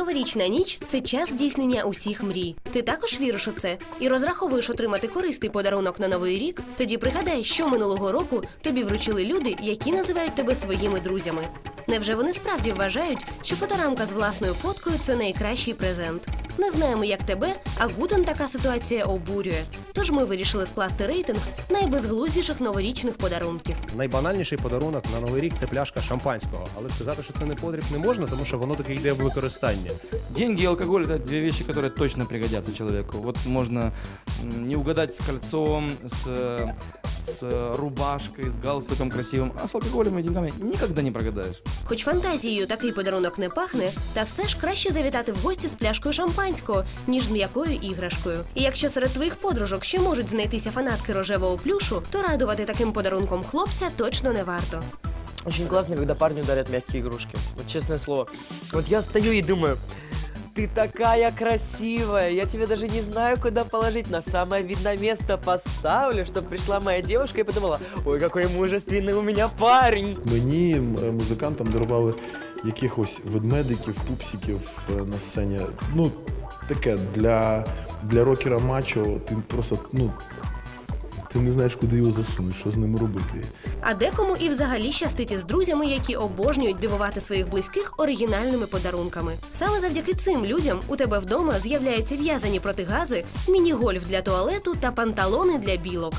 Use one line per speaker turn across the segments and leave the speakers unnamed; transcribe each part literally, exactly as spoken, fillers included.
Новорічна ніч – це час здійснення усіх мрій. Ти також віриш у це і розраховуєш отримати корисний подарунок на Новий рік? Тоді пригадай, що минулого року тобі вручили люди, які називають тебе своїми друзями. Невже вони справді вважають, що фоторамка з власною фоткою – це найкращий презент? Не знаємо, як тебе, а Гутен така ситуація обурює. Тож ми вирішили скласти рейтинг найбезглуздіших новорічних подарунків.
Найбанальніший подарунок на Новий рік – це пляшка шампанського. Але сказати, що це не потріб, не можна, тому що воно таки йде в використання.
Деньги и алкоголь – это две вещи, которые точно пригодятся человеку. Вот можно не угадать с кольцом, с, с рубашкой, с галстуком красивым, а с алкоголем и деньгами никогда не прогадаешь.
Хоч фантазією такий подарунок не пахне, та все ж краще завітати в гості з пляшкою шампанського, ніж з м'якою іграшкою. І якщо серед твоїх подружок ще можуть знайтися фанатки рожевого плюшу, то радувати таким подарунком хлопця точно не варто.
Очень классно, когда парню дарят мягкие игрушки. Вот честное слово. Вот я стою и думаю, ты такая красивая, я тебе даже не знаю, куда положить. На самое видное место поставлю, чтобы пришла моя девушка и подумала, ой, какой мужественный у меня парень.
Мені м, музикантам дарували якихось ведмедиків, пупсиків е, на сцені. Ну, таке, для, для рокера мачо ти просто, ну, ти не знаєш, куди його засунути, що з ним робити.
А декому і взагалі щастить із друзями, які обожнюють дивувати своїх близьких оригінальними подарунками. Саме завдяки цим людям у тебе вдома з'являються в'язані протигази, міні-гольф для туалету та панталони для білок.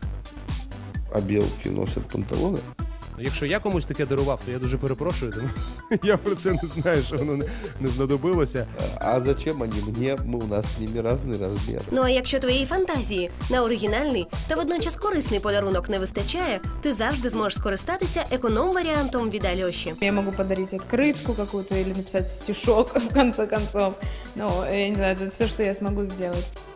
А белки носят панталоны?
Якщо я комусь таке дарував, то я дуже перепрошую, тому я про це не знаю, що воно не, не знадобилося.
А зачем они мне? Мы, у нас с ними разный размер.
Ну а якщо твоєї фантазії на оригінальний та водночас корисний подарунок не вистачає, ти завжди зможеш скористатися економ-варіантом від Альоші.
Я могу подарить открытку какую-то или написать стишок в конце концов. Ну, я не знаю, это все, что я смогу сделать.